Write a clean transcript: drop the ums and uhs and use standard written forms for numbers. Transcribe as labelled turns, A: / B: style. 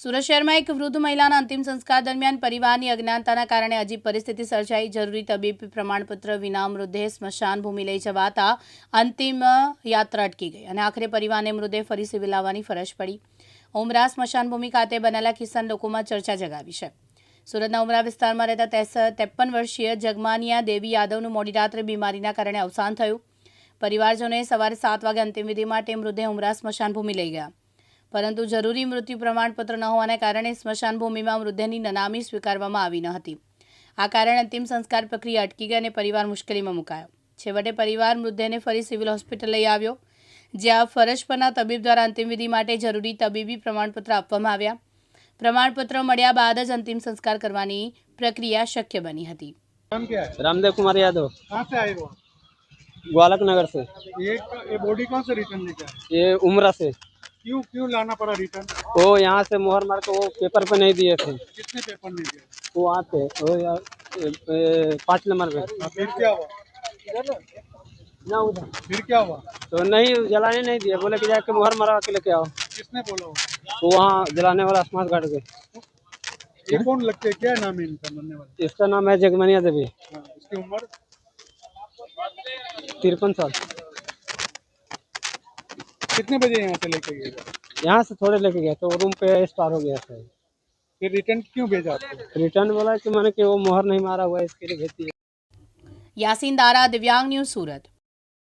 A: સુરત શહેરમાં એક વૃદ્ધ મહિલાના અંતિમ સંસ્કાર દરમિયાન પરિવારની અજ્ઞાનતાના કારણે અજીબ પરિસ્થિતિ સર્જાઈ. જરૂરી તબીબી પ્રમાણપત્ર વિના મૃતદેહ સ્મશાન ભૂમિ લઈ જવાતા અંતિમ યાત્રા અટકી ગઈ અને આખરે પરિવારને મૃતદેહ ફરી સિવિલ લાવવાની ફરજ પડી. ઉમરા સ્મશાન ભૂમિ ખાતે બનેલા કિસ્સાના લોકોમાં ચર્ચા જગાવી છે. સુરતના ઉમરા વિસ્તારમાં રહેતા 53 વર્ષીય જગમાનિયા દેવી યાદવનું મોડી રાત્રે બીમારીના કારણે અવસાન થયું. પરિવારજનોએ સવારે 7 વાગે અંતિમવિધિ માટે મૃતદેહ ઉમરા સ્મશાન ભૂમિ લઈ ગયા, પરંતુ જરૂરી મૃત્યુ પ્રમાણપત્ર ન હોવાને કારણે સ્મશાન ભૂમિમાં મૃતદેહની નનામી સ્વીકારવામાં આવી ન હતી. આ કારણે અંતિમ સંસ્કાર પ્રક્રિયા અટકી ગઈ અને પરિવાર મુશ્કેલીમાં મુકાયો. છેવટે પરિવાર મૃતદેહને ફરી સિવિલ હોસ્પિટલ લઈ આવ્યો, જ્યાં ફરજ પરના તબીબ દ્વારા અંતિમવિધિ માટે જરૂરી તબીબી પ્રમાણપત્ર આપવામાં આવ્યા. प्रमाणपत्र મળ્યા બાદ જ અંતિम संस्कार करवानी प्रक्रिया शक्य बनी હતી.
B: नाम क्या है?
C: रामदेव कुमार यादव,
B: कहाँ से आए हो?
C: ग्वालक नगर से।
B: ये बॉडी कौन से रिटर्न लेके आए?
C: ये उमरा से।
B: क्यों लाना पड़ा रिटर्न?
C: वो यहाँ से मोहर मार के वो पेपर पे नहीं दिए थे,
B: कितने पेपर नहीं दिए?
C: वो आते वो 5 नंबर पे।
B: फिर क्या हुआ?
C: ना उधर
B: फिर क्या हुआ?
C: तो नहीं जलाने नहीं दिए, बोले कि जाके मोहर मरवा के लेके आओ।
B: किसने बोला वो?
C: वो वहाँ जलाने वाला स्मार्ट गार्ड के।
B: ये कौन लगते है? क्या नाम है इनका मरने वाला?
C: इसका नाम है जगमनिया देवी,
B: हाँ, इसकी उम्र
C: 53 साल।
B: कितने बजे यहाँ से लेके गए?
C: यहाँ से थोड़े लेके गया तो रूम पे एक्सपायर हो गया था।
B: फिर रिटर्न क्यों भेजा आपको?
C: रिटर्न बोला कि मैंने कि वो मोहर नहीं मारा हुआ है, इसके लिए भेज दिया।
A: यासीन दारा, दिव्यांग न्यूज़, सूरत।